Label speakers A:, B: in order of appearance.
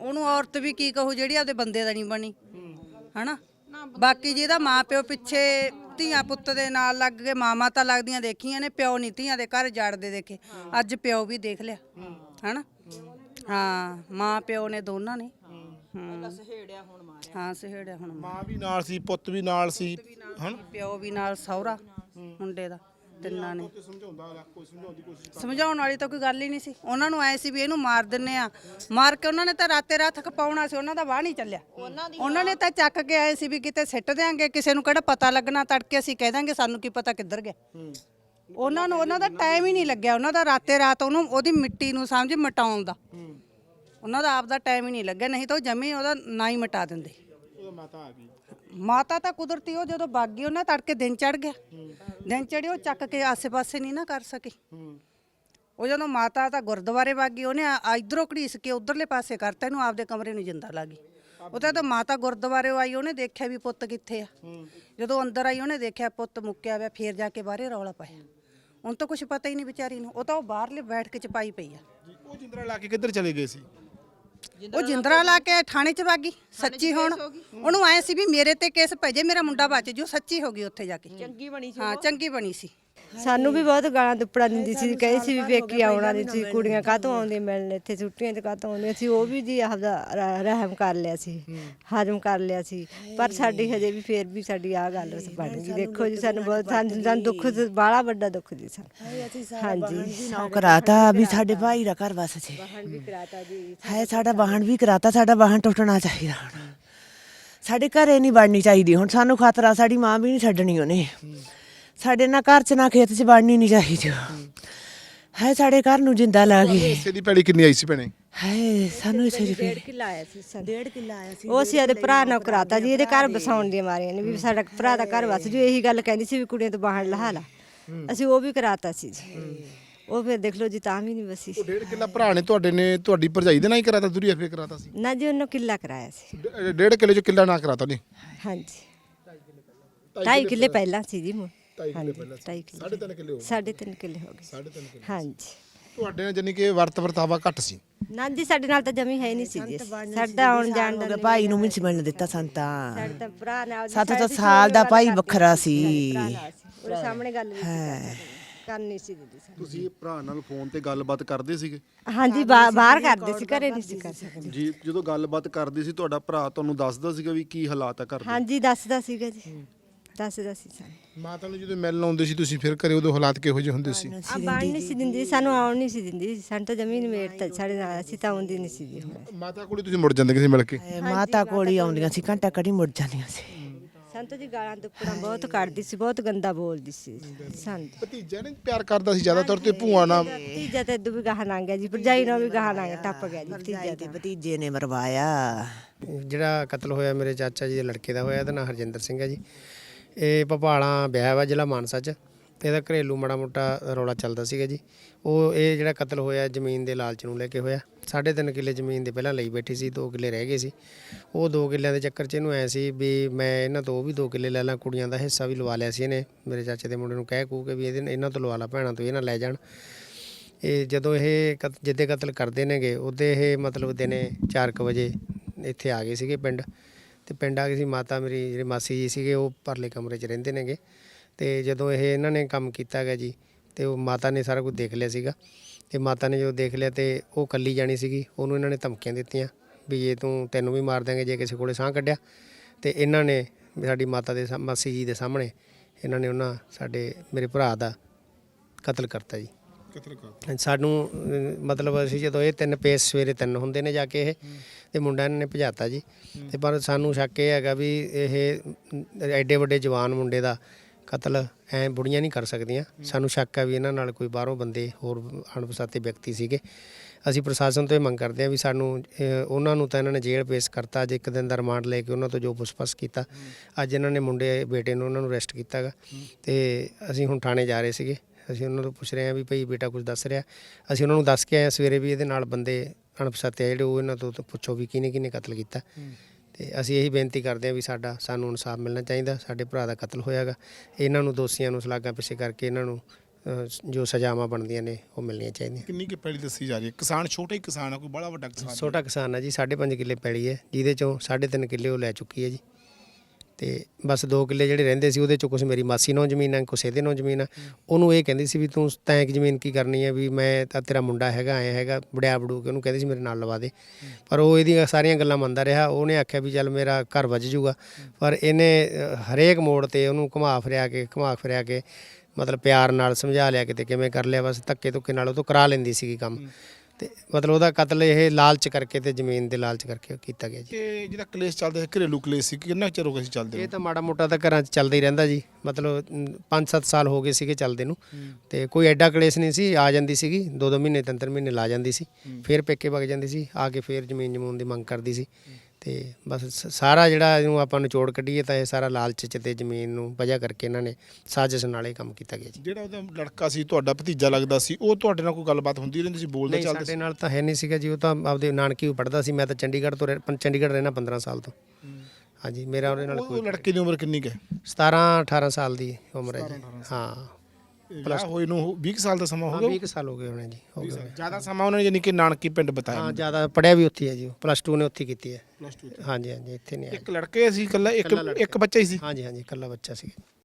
A: ਉਹਨੂੰ ਔਰਤ ਵੀ ਕੀ ਕਹੂ ਜਿਹੜੀ ਆਪਦੇ ਬੰਦੇ ਦਾ ਨਹੀਂ ਬਣੀ ਹਨਾ। ਬਾਕੀ ਜਿਹਦਾ ਮਾਂ ਪਿਓ ਪਿੱਛੇ ਧੀਆਂ ਪੁੱਤ ਦੇ ਨਾਲ ਲੱਗ ਕੇ ਮਾਵਾਂ ਤਾਂ ਲੱਗਦੀਆਂ ਦੇਖੀਆਂ ਨੇ, ਪਿਓ ਨਹੀਂ ਧੀਆਂ ਦੇ ਘਰ ਜਾੜਦੇ ਦੇਖੇ। ਅੱਜ ਪਿਓ ਵੀ ਦੇਖ ਲਿਆ ਹਨਾ। ਹਾਂ ਮਾਂ ਪਿਓ ਨੇ ਦੋਨਾਂ ਨੇ ਸਹੇੜਿਆ ਹੁਣ ਮਾਰਿਆ। ਹਾਂ ਸਹੇੜਿਆ ਹੁਣ
B: ਮਾਂ ਵੀ ਨਾਲ ਸੀ, ਪੁੱਤ ਵੀ ਨਾਲ ਸੀ, ਹਨ
A: ਪਿਓ ਵੀ ਨਾਲ, ਸਹੁਰਾ ਮੁੰਡੇ ਦਾ, ਤਿੰਨਾਂ ਨੇ। ਸਮਝਾਉਣ ਵਾਲੀ ਤਾਂ ਕੋਈ ਗੱਲ ਹੀ ਨਹੀਂ ਸੀ। ਉਹਨਾਂ ਨੂੰ ਐ ਸੀ ਵੀ ਇਹਨੂੰ ਮਾਰ ਦਿੰਨੇ ਆ, ਮਾਰ ਕੇ ਉਹਨਾਂ ਨੇ ਤਾਂ ਰਾਤੇ ਰਾਤ ਖਪਾਉਣਾ ਸੀ। ਉਹਨਾਂ ਦਾ ਵਾਹ ਨਹੀਂ ਚੱਲਿਆ। ਉਹਨਾਂ ਨੇ ਤਾਂ ਚੱਕ ਕੇ ਆਏ ਸੀ ਵੀ ਕਿਤੇ ਸਿੱਟ ਦਿਆਂਗੇ, ਕਿਸੇ ਨੂੰ ਕਿਹੜਾ ਪਤਾ ਲੱਗਣਾ, ਤੜਕੇ ਅਸੀਂ ਕਹਿ ਦਾਂਗੇ ਸਾਨੂੰ ਕੀ ਪਤਾ ਕਿੱਧਰ ਗਿਆ। ਉਹਨਾਂ ਨੂੰ ਉਹਨਾਂ ਦਾ ਟਾਈਮ ਹੀ ਨਹੀਂ ਲੱਗਿਆ। ਉਹਨਾਂ ਦਾ ਰਾਤੇ ਰਾਤ ਉਹਨੂੰ ਉਹਦੀ ਮਿੱਟੀ ਨੂੰ ਸਮਝ ਮਿਟਾਉਣ ਦਾ ਉਹਨਾਂ ਦਾ ਆਪ ਦਾ ਟਾਈਮ ਹੀ ਨਹੀਂ ਲੱਗਿਆ, ਨਹੀਂ ਤਾਂ ਉਹ ਜਮੀ ਉਹਦਾ ਨਾ ਹੀ ਮਿਟਾ ਦਿੰਦੇ।
B: ਮਾਤਾ ਆ ਗਈ,
A: ਮਾਤਾ ਤਾਂ ਕੁਦਰਤੀ ਉਹ ਜਦੋਂ ਵਗ ਗਈ ਉਹਨਾਂ ਤੜਕੇ ਦਿਨ ਚੜ ਗਿਆ। ਦਿਨ ਚੜੇ ਉਹ ਚੱਕ ਕੇ ਆਸੇ ਪਾਸੇ ਨਹੀਂ ਨਾ ਕਰ ਸਕੇ। ਉਹ ਜਦੋਂ ਮਾਤਾ ਤਾਂ ਗੁਰਦੁਆਰੇ ਵਗ ਗਈ, ਉਹਨੇ ਇਧਰੋਂ ਘੜੀਸ ਕੇ ਉਧਰਲੇ ਪਾਸੇ ਕਰਤਾ, ਇਹਨੂੰ ਆਪਦੇ ਕਮਰੇ ਨੂੰ ਜਿੰਦਾ ਲੱਗ ਗਈ। ਉਹ ਤਾਂ ਮਾਤਾ ਗੁਰਦੁਆਰੇ ਆਈ, ਉਹਨੇ ਦੇਖਿਆ ਵੀ ਪੁੱਤ ਕਿੱਥੇ ਆ। ਜਦੋਂ ਅੰਦਰ ਆਈ ਉਹਨੇ ਦੇਖਿਆ ਪੁੱਤ ਮੁੱਕਿਆ ਹੋਇਆ, ਫੇਰ ਜਾ ਕੇ ਬਾਹਰੇ ਰੌਲਾ ਪਾਇਆ। ਹੁਣ ਤਾਂ ਕੁਝ ਪਤਾ ਹੀ ਨਹੀਂ ਵਿਚਾਰੀ ਨੂੰ। ਉਹ ਤਾਂ ਉਹ ਬਾਹਰਲੇ ਬੈਠ ਕੇ ਚਪਾਈ ਪਈ ਆ।
B: ਉਹ ਜਿੰਦਰਾ ਲਾ ਕੇ ਕਿੱਧਰ ਚਲੇ ਗਏ ਸੀ?
A: ਉਹ ਜਿੰਦਰਾ ਲਾ ਕੇ ਥਾਣੇ 'ਚ ਵਗ ਗਈ। ਸੱਚੀ ਹੁਣ ਉਹਨੂੰ ਐ ਸੀ ਵੀ ਮੇਰੇ ਤੇ ਕੇਸ ਪੈ ਜੇ, ਮੇਰਾ ਮੁੰਡਾ ਬਚ ਜੂ। ਸੱਚੀ ਹੋ ਗਈ ਉੱਥੇ ਜਾ ਕੇ, ਚੰਗੀ ਬਣੀ ਸੀ। ਹਾਂ ਚੰਗੀ ਬਣੀ ਸੀ।
C: ਸਾਨੂੰ ਵੀ ਬਹੁਤ ਗਾਲਾਂ ਦੁੱਪੜਾ ਦਿੰਦੀ ਸੀ, ਕਹੀ ਸੀ ਵੀ ਵੇਖੀ ਆਉਣਾ ਨਹੀਂ ਸੀ, ਕੁੜੀਆਂ ਕਾਹਤੋਂ ਆਉਂਦੀਆਂ ਮਿਲਣ ਇੱਥੇ, ਛੁੱਟੀਆਂ 'ਚ ਕਾਹਤੋਂ ਆਉਂਦੀਆਂ ਸੀ। ਉਹ ਵੀ ਜੀ ਆਪਦਾ ਰਹਿਮ ਕਰ ਲਿਆ ਸੀ, ਹਜ਼ਮ ਕਰ ਲਿਆ ਸੀ। ਪਰ ਸਾਡੀ ਹਜੇ ਵੀ ਫੇਰ ਵੀ ਸਾਡੀ ਆਹ ਗੱਲ ਬਣ ਗਈ। ਦੇਖੋ ਜੀ ਸਾਨੂੰ ਬਹੁਤ ਸਾਨੂੰ ਦੁੱਖ, ਬਾਹਲਾ ਵੱਡਾ ਦੁੱਖ ਜੀ ਸਾਨੂੰ। ਹਾਂਜੀ
D: ਕਰਾਤਾ ਵੀ ਸਾਡੇ ਭਾਈ ਦਾ ਘਰ ਵਸ ਸੀ, ਹੈ ਸਾਡਾ ਵਾਹਨ ਵੀ ਕਰਾਤਾ। ਸਾਡਾ ਵਾਹਨ ਟੁੱਟਣਾ ਚਾਹੀਦਾ, ਹੁਣ ਸਾਡੇ ਘਰੇ ਨਹੀਂ ਵੜਨੀ ਚਾਹੀਦੀ। ਹੁਣ ਸਾਨੂੰ ਖਤਰਾ, ਸਾਡੀ ਮਾਂ ਵੀ ਨਹੀਂ ਛੱਡਣੀ ਉਹਨੇ। ਸਾਡੇ ਨਾ ਘਰ 'ਚ ਨਾ ਖੇਤ 'ਚ ਵੜਨੀ ਨਹੀਂ ਚਾਹੀਦੀ ਹੈ। ਸਾਡੇ ਘਰ ਨੂੰ ਜਿੰਦਾ ਲਾ ਗਈ।
B: ਹਿੱਸੇ ਦੀ ਪੈਲੀ ਕਿੰਨੀ ਆਈ ਸੀ ਭੈਣੇ?
D: ਹੈ ਸਾਨੂੰ ਇਸੇ ਦੀ
C: 1.5 ਕਿੱਲਾ ਆਇਆ ਸੀ।
D: 1.5 ਕਿੱਲਾ ਆਇਆ ਸੀ।
C: ਉਹ ਅਸੀਂ ਇਹਦੇ ਭਰਾ ਨਾਲ ਕਰਾਤਾ ਜੀ, ਇਹਦੇ ਘਰ ਬਸਾਉਣ ਦੀਆਂ ਮਾਰੀਆਂ ਨੇ ਵੀ ਸਾਡਾ ਭਰਾ ਦਾ ਘਰ ਵਸ ਜੂ। ਇਹੀ ਗੱਲ ਕਹਿੰਦੀ ਸੀ ਵੀ ਕੁੜੀਆਂ ਤੋਂ ਬਾਹਰ ਲਹਾ ਲਾ। ਅਸੀਂ ਉਹ ਵੀ ਕਰਾਤਾ ਸੀ ਜੀ। ਉਹ ਫਿਰ ਦੇਖ ਲਓ ਜੀ ਤਾਂ ਵੀ ਨਹੀਂ ਵਸੀ।
B: 1.5 ਕਿੱਲਾ ਭਰਾ ਨੇ ਤੁਹਾਡੇ ਨੇ ਤੁਹਾਡੀ ਭਰਜਾਈ ਦੇ ਨਾਲ ਹੀ ਕਰਾਤਾ, ਦੂਰੀ ਫੇਰ ਕਰਾਤਾ ਸੀ?
C: ਨਾ ਜੀ ਉਹਨੂੰ ਕਿੱਲਾ ਕਰਾਇਆ ਸੀ।
B: 1.5 ਕਿੱਲੇ 'ਚ ਕਿੱਲਾ ਨਾ ਕਰਾਤਾ ਨੇ?
C: ਹਾਂਜੀ 2.5 ਕਿੱਲੇ ਪਹਿਲਾਂ ਸੀ ਜੀ।
B: 2.5 ਕਿੱਲੇ ਪਹਿਲਾਂ ਸੀ। 3.5 ਕਿੱਲੇ ਹੋ ਗਏ।
C: 3.5 ਕਿੱਲੇ ਹੋ ਗਏ।
B: 3.5 ਕਿੱਲੇ
C: ਹਾਂਜੀ
B: ਤੁਹਾਡੇ ਨਾਲ ਜਾਨੀ ਕਿ ਵਰਤ ਵਰਤਾਵਾ ਘੱਟ ਸੀ?
C: ਨਾ ਜੀ ਸਾਡੇ ਨਾਲ ਤਾਂ ਜਮੀ ਹੈ ਨਹੀਂ ਸੀ ਜੀ। ਸਾਡਾ ਆਉਣ ਜਾਣ ਦਾ
D: ਭਾਈ ਨੂੰ ਵੀ ਨਹੀਂ ਮਿਲਣ ਦਿੱਤਾ ਸੰਤਾ।
C: ਸਾਡੇ ਤਾਂ ਭਰਾ ਨਾਲ
D: ਸਾਡਾ ਤਾਂ ਸਾਲ ਦਾ ਭਾਈ ਵੱਖਰਾ ਸੀ।
C: ਉਹਦੇ ਸਾਹਮਣੇ ਗੱਲ ਨਹੀਂ ਕਰਨੀ ਸੀ ਦੀਦੀ।
B: ਤੁਸੀਂ ਭਰਾ ਨਾਲ ਫੋਨ ਤੇ ਗੱਲਬਾਤ ਕਰਦੇ ਸੀਗੇ?
C: ਹਾਂਜੀ ਬਾਹਰ ਕਰਦੇ ਸੀ, ਘਰੇ ਨਹੀਂ ਸੀ ਕਰ ਸਕਦੇ
B: ਜੀ ਜਦੋਂ ਗੱਲਬਾਤ ਕਰਦੇ ਸੀ ਤੁਹਾਡਾ ਭਰਾ ਤੁਹਾਨੂੰ ਦੱਸਦਾ ਸੀਗਾ ਵੀ ਕੀ ਹਾਲਾਤ ਆ ਘਰ ਦੇ?
C: ਹਾਂਜੀ ਦੱਸਦਾ ਸੀਗਾ ਜੀ, ਦੱਸਦਾ ਸੀ ਸਾਨੂੰ।
B: ਮਾਤਾ ਨੂੰ ਜਦੋਂ ਮਿਲਣ ਆਉਂਦੇ ਸੀ ਤੁਸੀਂ ਫਿਰ ਘਰੇ, ਉਦੋਂ ਹਾਲਾਤ ਕਿਹੋ ਜਿਹੇ ਹੁੰਦੇ ਸੀ?
C: ਆ ਬਾਣ ਨਹੀਂ ਸੀ ਦਿੰਦੀ ਸਾਨੂੰ, ਆਉਣ ਨਹੀਂ ਸੀ ਦਿੰਦੀ ਸਾਨੂੰ ਤਾਂ ਜ਼ਮੀਨ ਮੇਟ ਸਾਡੇ ਨਾਲ। ਅਸੀਂ ਤਾਂ ਆਉਂਦੀ ਨਹੀਂ ਸੀ ਜੀ।
B: ਮਾਤਾ ਕੋਲ ਤੁਸੀਂ ਮੁੜ ਜਾਂਦੇ ਕਿਸੇ ਮਿਲ ਕੇ?
D: ਮਾਤਾ ਕੋਲ ਹੀ ਆਉਂਦੀਆਂ ਸੀ, ਘੰਟਾ ਘੜੀ ਮੁੜ ਜਾਂਦੀਆਂ ਸੀ।
C: ਸੰਤ ਜੀ ਗਾਲਾਂ ਦੁੱਪੜਾਂ ਬਹੁਤ ਕੱਢਦੀ ਸੀ, ਬਹੁਤ ਗੰਦਾ ਬੋਲਦੀ ਸੀ ਸਾਨੂੰ।
B: ਭਤੀਜਾ ਨੇ ਪਿਆਰ ਕਰਦਾ ਸੀ ਜ਼ਿਆਦਾਤਰ ਤੇ ਭੂਆ ਨਾਲ?
C: ਭਤੀਜਾ ਤੇ ਇਦੋਂ ਵੀ ਗਾਹਾਂ ਲੰਘ ਗਿਆ ਜੀ, ਭਰਜਾਈ ਨਾਲ ਵੀ ਗਾਹਾਂ ਲੰਘ ਟੱਪ ਗਿਆ ਜੀ ਭਤੀਜਾ
D: ਤੇ ਭਤੀਜੇ ਨੇ ਮਰਵਾਇਆ।
E: ਜਿਹੜਾ ਕਤਲ ਹੋਇਆ ਮੇਰੇ ਚਾਚਾ ਜੀ ਦੇ ਲੜਕੇ ਦਾ ਹੋਇਆ, ਇਹਦਾ ਨਾਂ ਹਰਜਿੰਦਰ ਸਿੰਘ ਹੈ ਜੀ। ਇਹ ਭਪਾਲਾਂ ਵਿਆਹ ਵਾ ਜ਼ਿਲ੍ਹਾ ਮਾਨਸਾ 'ਚ। ਇਹਦਾ ਘਰੇਲੂ ਮਾੜਾ ਮੋਟਾ ਰੌਲਾ ਚੱਲਦਾ ਸੀਗਾ ਜੀ। ਉਹ ਇਹ ਜਿਹੜਾ ਕਤਲ ਹੋਇਆ ਜ਼ਮੀਨ ਦੇ ਲਾਲਚ ਨੂੰ ਲੈ ਕੇ ਹੋਇਆ। 3.5 ਕਿੱਲੇ ਜ਼ਮੀਨ ਦੇ ਪਹਿਲਾਂ ਲਈ ਬੈਠੀ ਸੀ, 2 ਕਿੱਲੇ ਰਹਿ ਗਏ ਸੀ। ਉਹ 2 ਕਿੱਲਿਆਂ ਦੇ ਚੱਕਰ 'ਚ ਇਹਨੂੰ ਐ ਸੀ ਵੀ ਮੈਂ ਇਹਨਾਂ ਤੋਂ ਉਹ ਵੀ 2 ਕਿੱਲੇ ਲੈ ਲਾਂ, ਕੁੜੀਆਂ ਦਾ ਹਿੱਸਾ ਵੀ ਲਵਾ ਲਿਆ ਸੀ ਇਹਨੇ। ਮੇਰੇ ਚਾਚੇ ਦੇ ਮੁੰਡੇ ਨੂੰ ਕਹਿ ਕੂ ਕੇ ਵੀ ਇਹਨਾਂ ਤੋਂ ਲਵਾ ਲਾ, ਭੈਣਾਂ ਤੋਂ ਇਹ ਨਾ ਲੈ ਜਾਣ। ਇਹ ਜਦੋਂ ਇਹ ਜਿੱਦੇ ਕਤਲ ਕਰਦੇ ਨੇਗੇ ਉਹਦੇ ਇਹ ਮਤਲਬ ਦਿਨੇ 4 ਵਜੇ ਇੱਥੇ ਆ ਗਏ ਸੀਗੇ ਪਿੰਡ। ਤੇ ਪਿੰਡ ਆ ਗਏ ਸੀ। ਮਾਤਾ ਮੇਰੀ ਜਿਹੜੇ ਮਾਸੀ ਜੀ ਸੀਗੇ ਉਹ ਪਰਲੇ ਕਮਰੇ 'ਚ ਰਹਿੰਦੇ ਨੇਗੇ। ਤੇ ਜਦੋਂ ਇਹ ਇਹਨਾਂ ਨੇ ਕੰਮ ਕੀਤਾ ਗਾ ਜੀ, ਤੇ ਉਹ ਮਾਤਾ ਨੇ ਸਾਰਾ ਕੁਝ ਦੇਖ ਲਿਆ ਸੀਗਾ। ਤੇ ਮਾਤਾ ਨੇ ਜਦੋਂ ਦੇਖ ਲਿਆ ਤੇ ਉਹ ਕੱਲੀ ਜਾਣੀ ਸੀਗੀ, ਉਹਨੂੰ ਇਹਨਾਂ ਨੇ ਧਮਕੀਆਂ ਦਿੱਤੀਆਂ ਵੀ ਜੇ ਤੈਨੂੰ ਵੀ ਮਾਰ ਦਾਂਗੇ ਜੇ ਕਿਸੇ ਕੋਲੇ ਸਾਹ ਕੱਢਿਆ। ਤੇ ਇਹਨਾਂ ਨੇ ਸਾਡੀ ਮਾਤਾ ਦੇ ਮਾਸੀ ਜੀ ਦੇ ਸਾਹਮਣੇ ਇਹਨਾਂ ਨੇ ਸਾਡੇ ਮੇਰੇ ਭਰਾ ਦਾ ਕਤਲ ਕਰਤਾ ਜੀ। ਸਾਨੂੰ ਮਤਲਬ ਅਸੀਂ ਜਦੋਂ ਇਹ 3 ਪੇਸ ਸਵੇਰੇ 3 ਹੁੰਦੇ ਨੇ ਜਾ ਕੇ ਇਹ, ਤੇ ਮੁੰਡਾ ਇਹਨਾਂ ਨੇ ਭਜਾਤਾ ਜੀ। ਤੇ ਪਰ ਸਾਨੂੰ ਸ਼ੱਕ ਇਹ ਹੈਗਾ ਵੀ ਇਹ ਐਡੇ ਵੱਡੇ ਜਵਾਨ ਮੁੰਡੇ ਦਾ ਕਤਲ ਐ ਬੁੜੀਆਂ ਨਹੀਂ ਕਰ ਸਕਦੀਆਂ। ਸਾਨੂੰ ਸ਼ੱਕ ਹੈ ਵੀ ਇਹਨਾਂ ਨਾਲ ਕੋਈ ਬਾਹਰੋਂ ਬੰਦੇ ਹੋਰ ਅਣਪਛਾਤੇ ਵਿਅਕਤੀ ਸੀਗੇ। ਅਸੀਂ ਪ੍ਰਸ਼ਾਸਨ ਤੋਂ ਇਹ ਮੰਗ ਕਰਦੇ ਹਾਂ ਵੀ ਸਾਨੂੰ ਉਹਨਾਂ ਨੂੰ ਤਾਂ ਇਹਨਾਂ ਨੇ ਜੇਲ੍ਹ ਪੇਸ਼ ਕਰਤਾ। ਅੱਜ 1 ਦਿਨ ਦਾ ਰਿਮਾਂਡ ਲੈ ਕੇ ਉਹਨਾਂ ਤੋਂ ਜੋ ਪੁੱਛਪਛ ਕੀਤਾ, ਅੱਜ ਇਹਨਾਂ ਨੇ ਮੁੰਡੇ ਬੇਟੇ ਨੂੰ ਉਹਨਾਂ ਨੂੰ ਅਰੈਸਟ ਕੀਤਾ ਗਾ। ਤੇ ਅਸੀਂ ਹੁਣ ਥਾਣੇ ਜਾ ਰਹੇ ਸੀਗੇ। ਅਸੀਂ ਉਹਨਾਂ ਤੋਂ ਪੁੱਛ ਰਹੇ ਹਾਂ ਵੀ ਭਾਈ ਬੇਟਾ ਕੁਝ ਦੱਸ ਰਿਹਾ। ਅਸੀਂ ਉਹਨਾਂ ਨੂੰ ਦੱਸ ਕੇ ਆਏ ਸਵੇਰੇ ਵੀ ਇਹਦੇ ਨਾਲ ਬੰਦੇ ਅਣਪਛਾਤੇ ਜਿਹੜੇ ਉਹ ਇਹਨਾਂ ਤੋਂ ਪੁੱਛੋ ਵੀ ਕਿਹਨੇ ਕਤਲ ਕੀਤਾ। ਤੇ ਅਸੀਂ ਇਹੀ ਬੇਨਤੀ ਕਰਦੇ ਹਾਂ ਵੀ ਸਾਨੂੰ ਇਨਸਾਫ ਮਿਲਣਾ ਚਾਹੀਦਾ। ਸਾਡੇ ਭਰਾ ਦਾ ਕਤਲ ਹੋਇਆ ਗਾ। ਇਹਨਾਂ ਨੂੰ ਦੋਸ਼ੀਆਂ ਨੂੰ ਸਲਾਖਾਂ ਪਿੱਛੇ ਕਰਕੇ ਇਹਨਾਂ ਨੂੰ ਜੋ ਸਜ਼ਾਵਾਂ ਬਣਦੀਆਂ ਨੇ ਉਹ ਮਿਲਣੀਆਂ ਚਾਹੀਦੀਆਂ।
F: ਕਿੰਨੀ ਕੁ ਪੈਲੀ ਦੱਸੀ ਜਾ ਰਹੀ ਹੈ? ਕਿਸਾਨ ਛੋਟਾ ਹੀ ਕਿਸਾਨ ਆ, ਕੋਈ ਬੜਾ ਵੱਡਾ ਕਿਸਾਨ ਨਹੀਂ।
E: ਛੋਟਾ ਕਿਸਾਨ ਹੈ ਜੀ, 5.5 ਕਿੱਲੇ ਪੈਲੀ ਹੈ, ਜਿਹਦੇ ਚੋਂ 3.5 ਕਿੱਲੇ ਉਹ ਲੈ ਚੁੱਕੀ ਹੈ ਜੀ। ਤੇ ਬਸ 2 ਕਿੱਲੇ ਜਿਹੜੇ ਰਹਿੰਦੇ ਸੀ ਉਹਦੇ ਚੋਂ ਕੁਛ ਮੇਰੀ ਮਾਸੀ ਨੂੰ ਜ਼ਮੀਨ ਹੈ, ਕੁਛ ਇਹਦੇ ਨੂੰ ਜ਼ਮੀਨ ਹੈ। ਉਹਨੂੰ ਇਹ ਕਹਿੰਦੀ ਸੀ ਵੀ ਤੂੰ ਤੈਂ ਕਿ ਜ਼ਮੀਨ ਕੀ ਕਰਨੀ ਹੈ, ਵੀ ਮੈਂ ਤਾਂ ਤੇਰਾ ਮੁੰਡਾ ਹੈਗਾ, ਐਂ ਹੈਗਾ, ਬੜਿਆ ਬੜੂ ਕੇ ਉਹਨੂੰ ਕਹਿੰਦੀ ਸੀ ਮੇਰੇ ਨਾਲ ਲਵਾ ਦੇ। ਪਰ ਉਹ ਇਹਦੀਆਂ ਸਾਰੀਆਂ ਗੱਲਾਂ ਮੰਨਦਾ ਰਿਹਾ। ਉਹਨੇ ਆਖਿਆ ਵੀ ਚੱਲ ਮੇਰਾ ਘਰ ਵੱਜ ਜੂਗਾ, ਪਰ ਇਹਨੇ ਹਰੇਕ ਮੋੜ ਤੇ ਉਹਨੂੰ ਘੁਮਾ ਫਿਰਿਆ ਕੇ ਮਤਲਬ ਪਿਆਰ ਨਾਲ ਸਮਝਾ ਲਿਆ, ਕਿਤੇ ਕਿਵੇਂ ਕਰ ਲਿਆ, ਬਸ ਧੱਕੇ ਧੁੱਕੇ ਨਾਲ ਉਹ ਤੋਂ ਕਰਾ ਲੈਂਦੀ ਸੀਗੀ ਕੰਮ। ਤੇ ਮਤਲਬ ਉਹਦਾ ਕਤਲ ਇਹ ਲਾਲਚ ਕਰਕੇ ਤੇ ਜ਼ਮੀਨ ਦੇ ਲਾਲਚ ਕਰਕੇ ਕੀਤਾ ਗਿਆ ਜੀ।
F: ਤੇ ਜਿਹੜਾ ਕਲੇਸ਼ ਚੱਲਦਾ ਹੈ, ਘਰੇਲੂ ਕਲੇਸ਼ ਸੀ, ਕਿੰਨਾ ਕੁ ਚਿਰ ਹੋ ਗਿਆ ਸੀ ਚੱਲਦੇ
E: ਇਹ ਤਾਂ ਮਾੜਾ ਮੋਟਾ ਤਾਂ ਘਰਾਂ 'ਚ ਚੱਲਦਾ ਹੀ ਰਹਿੰਦਾ ਜੀ, ਮਤਲਬ 5-7 ਸਾਲ ਹੋ ਗਏ ਸੀਗੇ ਚੱਲਦੇ ਨੂੰ। ਤੇ ਕੋਈ ਐਡਾ ਕਲੇਸ਼ ਨਹੀਂ ਸੀ। ਆ ਜਾਂਦੀ ਸੀਗੀ 2-2 ਮਹੀਨੇ 3-3 ਮਹੀਨੇ ਲਾ ਜਾਂਦੀ ਸੀ, ਫਿਰ ਪੇਕੇ ਵਗ ਜਾਂਦੀ ਸੀ, ਆ ਕੇ ਫਿਰ ਜ਼ਮੀਨ ਜਮੂਨ ਦੀ ਮੰਗ ਕਰਦੀ ਸੀ। ਤੇ ਬਸ ਸਾਰਾ ਜਿਹੜਾ ਇਹਨੂੰ ਆਪਾਂ ਨਿਚੋੜ ਕੱਢੀਏ ਤਾਂ ਇਹ ਸਾਰਾ ਲਾਲਚ 'ਚ ਤੇ ਜ਼ਮੀਨ ਨੂੰ ਵਜ੍ਹਾ ਕਰਕੇ ਇਹਨਾਂ ਨੇ ਸਾਜ਼ਿਸ਼ ਨਾਲ ਇਹ ਕੰਮ ਕੀਤਾ ਗਿਆ ਜੀ।
F: ਜਿਹੜਾ ਉਹਦਾ ਲੜਕਾ ਸੀ, ਤੁਹਾਡਾ ਭਤੀਜਾ ਲੱਗਦਾ ਸੀ, ਉਹ ਤੁਹਾਡੇ ਨਾਲ ਕੋਈ ਗੱਲਬਾਤ ਹੁੰਦੀ ਰਹਿੰਦੀ ਸੀ, ਬੋਲਦੇ
E: ਨਹੀਂ,
F: ਚੱਲਦੇ
E: ਸਾਡੇ
F: ਸੀ?
E: ਨਾਲ ਤਾਂ ਹੈ ਨਹੀਂ ਸੀਗਾ ਜੀ। ਉਹ ਤਾਂ ਆਪਦੇ ਨਾਨਕੀ ਪੜ੍ਹਦਾ ਸੀ। ਮੈਂ ਤਾਂ ਚੰਡੀਗੜ੍ਹ ਰਹਿਣਾ 15 ਸਾਲ ਤੋਂ। ਹਾਂਜੀ, ਮੇਰਾ ਉਹਦੇ ਨਾਲ
F: ਉਹ ਲੜਕੇ ਦੀ ਉਮਰ ਕਿੰਨੀ ਕੁ ਹੈ?
E: 17-18 ਸਾਲ ਦੀ ਉਮਰ ਹੈ ਜੀ। ਹਾਂ,
F: ਪਲੱਸ ਹੋਏ ਨੂੰ 20 ਸਾਲ ਦਾ ਸਮਾਂ ਹੋ ਗਿਆ।
E: 20 ਸਾਲ ਹੋ ਗਏ ਹੋਣੇ ਜੀ, ਹੋ ਗਏ।
F: ਜ਼ਿਆਦਾ ਸਮਾਂ ਉਹਨਾਂ ਨੇ ਯਾਨੀ ਕਿ ਨਾਨਕੀ ਪਿੰਡ ਬਤਾਇਆ।
E: ਹਾਂ, ਜ਼ਿਆਦਾ ਪੜ੍ਹਿਆ ਵੀ ਉੱਥੇ ਹੈ ਜੀ। ਉਹ +2 ਨੇ ਉੱਥੇ ਕੀਤੀ ਹੈ।
F: ਪਲੱਸ 2
E: ਹਾਂਜੀ, ਇੱਥੇ ਨਹੀਂ ਆਇਆ।
F: ਇੱਕ ਲੜਕੇ ਸੀ ਇਕੱਲਾ, ਇੱਕ ਬੱਚਾ ਹੀ ਸੀ?
E: ਹਾਂਜੀ, ਇਕੱਲਾ ਬੱਚਾ ਸੀ।